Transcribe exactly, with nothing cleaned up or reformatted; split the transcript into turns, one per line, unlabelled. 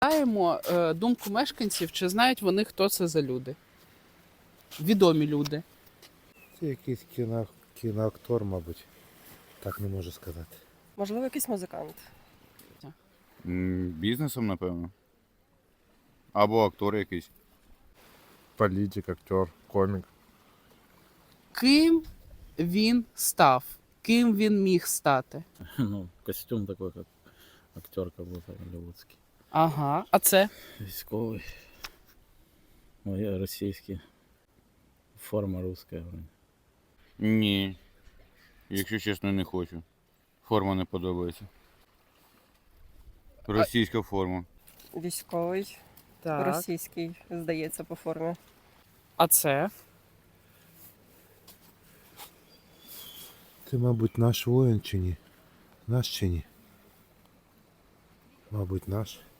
Питаємо е, думку мешканців, чи знають вони, хто це за люди. Відомі люди.
Це якийсь кіно, кіноактор, мабуть. Так не можу сказати.
Можливо, якийсь музикант.
М, Бізнесом, напевно. Або актор якийсь.
Політик, актер, комік.
Ким він став? Ким він міг стати?
Ну, костюм такой, как актер, как будто голливудский.
Ага. А це?
Військовий. Ну, я російський. Форма русская вроде.
Ні. Якщо чесно, не хочу. Форма не подобається. Російська форма.
Військовий, російський, здається, по формі.
А це?
Ти, мабуть, наш воїн чи ні? Наш чи ні? Мабуть, наш.